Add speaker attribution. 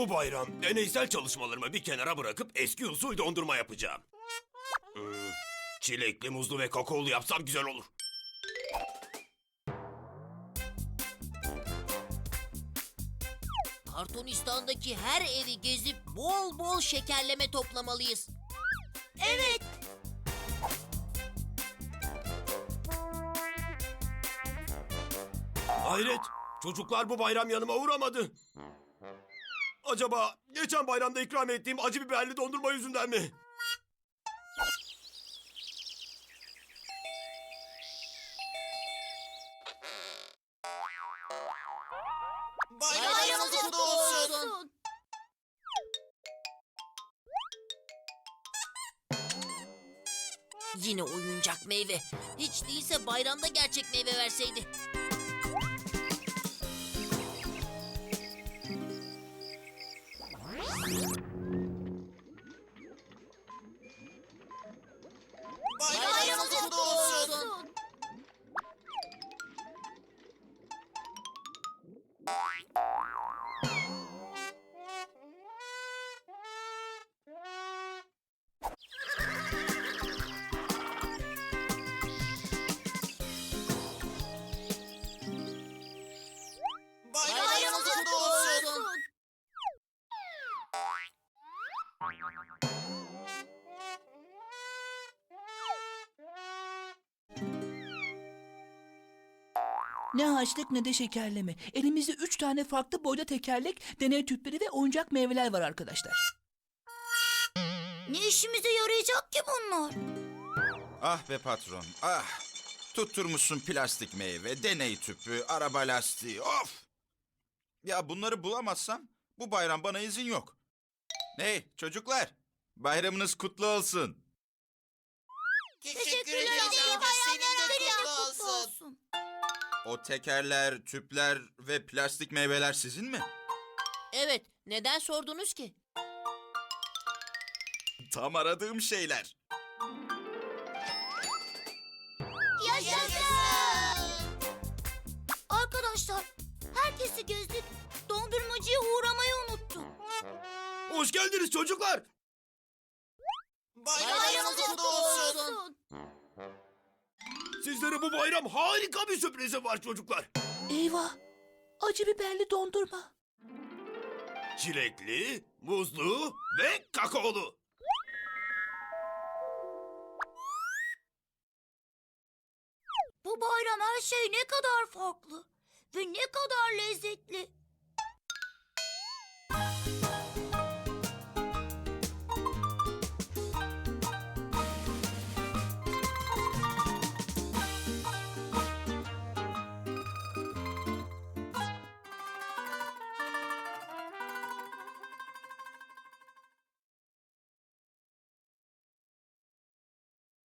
Speaker 1: Bu bayram deneysel çalışmalarımı bir kenara bırakıp eski usul dondurma yapacağım. Çilekli, muzlu ve kakaolu yapsam güzel olur.
Speaker 2: Kartonistan'daki her evi gezip bol bol şekerleme toplamalıyız. Evet.
Speaker 1: Hayret, çocuklar bu bayram yanıma uğramadı. Acaba geçen bayramda ikram ettiğim acı biberli dondurma yüzünden mi?
Speaker 2: Bayramınız kutlu olsun. Yine oyuncak meyve. Hiç değilse bayramda gerçek meyve verseydi. Bayramınız kutlu olsun. Bayramınız kutlu olsun.
Speaker 3: Ne harçlık ne de şekerleme. Elimizde 3 tane farklı boyda tekerlek, deney tüpleri ve oyuncak meyveler var arkadaşlar.
Speaker 2: Ne işimize yarayacak ki bunlar?
Speaker 4: Ah be patron, ah! Tutturmuşsun plastik meyve, deney tüpü, araba lastiği, of! Ya bunları bulamazsam bu bayram bana izin yok. Hey çocuklar, bayramınız kutlu olsun.
Speaker 2: Teşekkür ederim. Senin de kutlu olsun.
Speaker 4: O tekerler, tüpler ve plastik meyveler sizin mi?
Speaker 2: Evet, neden sordunuz ki?
Speaker 4: Tam aradığım şeyler.
Speaker 2: Yaşasın! Arkadaşlar, herkesi gezdik. Dondurmacıya uğramayı unuttum.
Speaker 1: Hoş geldiniz çocuklar.
Speaker 2: Bayramınız kutlu olsun.
Speaker 1: Sizlere bu bayram harika bir sürprizim var çocuklar.
Speaker 3: Eyvah! Acı biberli dondurma.
Speaker 1: Çilekli, muzlu ve kakaolu.
Speaker 2: Bu bayram her şey ne kadar farklı ve ne kadar lezzetli.